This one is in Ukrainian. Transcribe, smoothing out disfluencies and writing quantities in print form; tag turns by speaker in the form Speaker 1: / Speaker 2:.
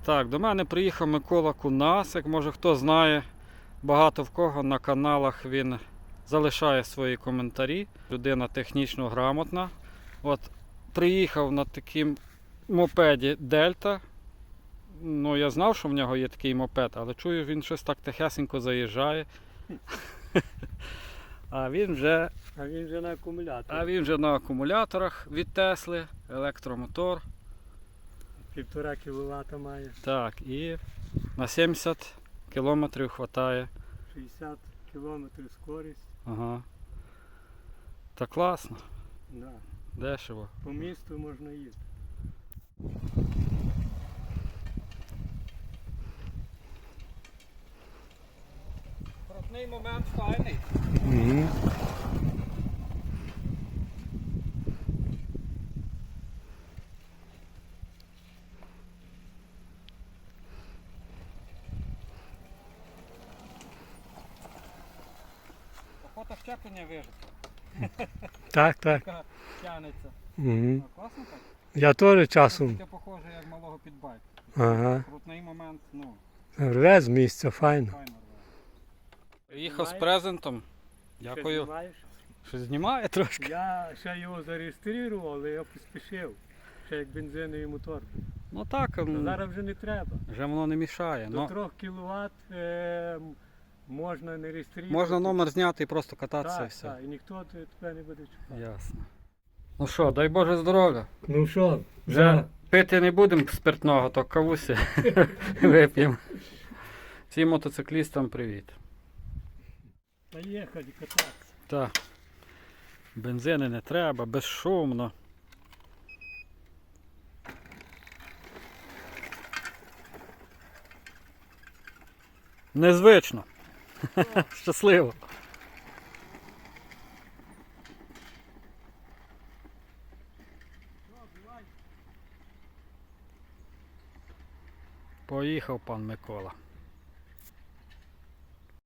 Speaker 1: Так, до мене приїхав Микола Кунасик, може хто знає, багато в кого на каналах він залишає свої коментарі. Людина технічно грамотна. От приїхав на такому мопеді Дельта. Ну, я знав, що в нього є такий мопед, але чую, він щось так тихесенько заїжджає. А він вже на акумуляторах від Тесли, електромотор.
Speaker 2: 1,5 кВт має.
Speaker 1: Так, і на 70 кілометрів вистачає.
Speaker 2: 60 км скорість.
Speaker 1: Ага. Та класно,
Speaker 2: Да.
Speaker 1: дешево.
Speaker 2: По місту можна їздити.
Speaker 1: Крутний момент файний.
Speaker 2: Угу.
Speaker 1: Охота щеплення вижити.
Speaker 2: Так, так.
Speaker 1: Така тянеться.
Speaker 2: Угу.
Speaker 1: Класно так?
Speaker 2: Я теж часом.
Speaker 1: Таке похоже, як малого підбайку.
Speaker 2: Ага.
Speaker 1: Крутний момент, ну,
Speaker 2: Рве з місця, файно.
Speaker 1: файно рве. Приїхав з презентом. Дякую. Щось знімає трошки.
Speaker 2: Я ще його зареєстрував, але я поспішив. Ще як бензиновий мотор.
Speaker 1: Ну так,
Speaker 2: А зараз вже не треба.
Speaker 1: вже воно не мішає.
Speaker 2: До 3 кВт можна не реєструвати.
Speaker 1: Можна номер зняти і просто кататися і
Speaker 2: Так,
Speaker 1: все.
Speaker 2: так, і ніхто тебе не буде чекати.
Speaker 1: Ясно. Ну що, дай Боже здоров'я.
Speaker 2: Ну що,
Speaker 1: Вже пити не будемо спиртного, то кавусі вип'ємо. Всім мотоциклістам привіт.
Speaker 2: Поїхали кататися.
Speaker 1: Так. Бензини не треба, безшумно. Незвично. Щасливо. Поїхав пан Микола.